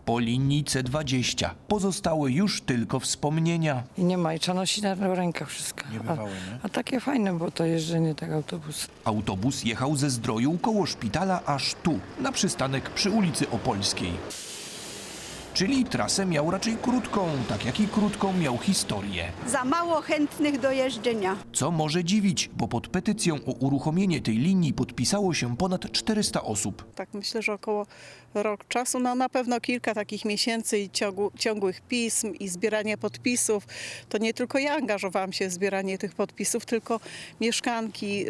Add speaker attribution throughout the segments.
Speaker 1: Po linii C20 pozostały już tylko wspomnienia.
Speaker 2: I nie ma, i trzeba nosić na rękach wszystko. A takie fajne było to jeżdżenie tego autobusu.
Speaker 1: Autobus jechał ze Zdroju koło szpitala aż tu, na przystanek przy ulicy Opolskiej. Czyli trasę miał raczej krótką, tak jak i krótką miał historię.
Speaker 3: Za mało chętnych do jeżdżenia.
Speaker 1: Co może dziwić, bo pod petycją o uruchomienie tej linii podpisało się ponad 400 osób.
Speaker 4: Tak myślę, że około rok czasu, no na pewno kilka takich miesięcy i ciągłych pism i zbieranie podpisów. To nie tylko ja angażowałam się w zbieranie tych podpisów, tylko mieszkanki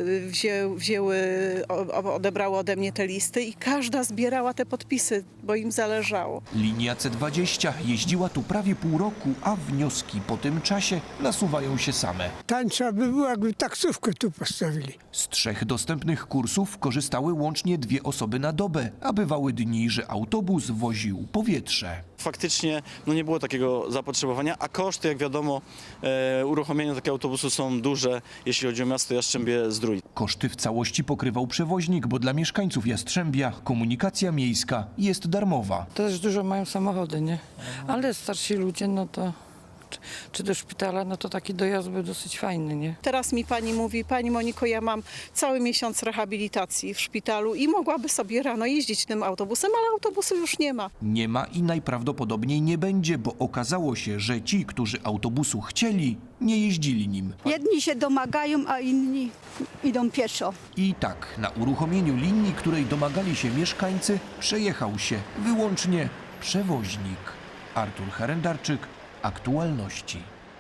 Speaker 4: odebrały ode mnie te listy i każda zbierała te podpisy, bo im zależało.
Speaker 1: Linia C20 jeździła tu prawie pół roku, a wnioski po tym czasie nasuwają się same.
Speaker 5: Tańsza by było, jakby taksówkę tu postawili.
Speaker 1: Z 3 dostępnych kursów korzystały łącznie 2 osoby na dobę, a bywały dni, że autobus woził powietrze.
Speaker 6: Faktycznie nie było takiego zapotrzebowania, a koszty, jak wiadomo, uruchomienia takiego autobusu są duże, jeśli chodzi o miasto Jastrzębie-Zdrój.
Speaker 1: Koszty w całości pokrywał przewoźnik, bo dla mieszkańców Jastrzębia komunikacja miejska jest darmowa.
Speaker 2: Też dużo mają samochody, nie? Ale starsi ludzie, no to czy do szpitala, no to taki dojazd był dosyć fajny, nie?
Speaker 4: Teraz mi pani mówi: pani Moniko, ja mam cały miesiąc rehabilitacji w szpitalu i mogłaby sobie rano jeździć tym autobusem, ale autobusu już nie ma.
Speaker 1: Nie ma i najprawdopodobniej nie będzie, bo okazało się, że ci, którzy autobusu chcieli, nie jeździli nim.
Speaker 3: Jedni się domagają, a inni idą pieszo.
Speaker 1: I tak na uruchomieniu linii, której domagali się mieszkańcy, przejechał się wyłącznie przewoźnik. Artur Herendarczyk, Aktualności.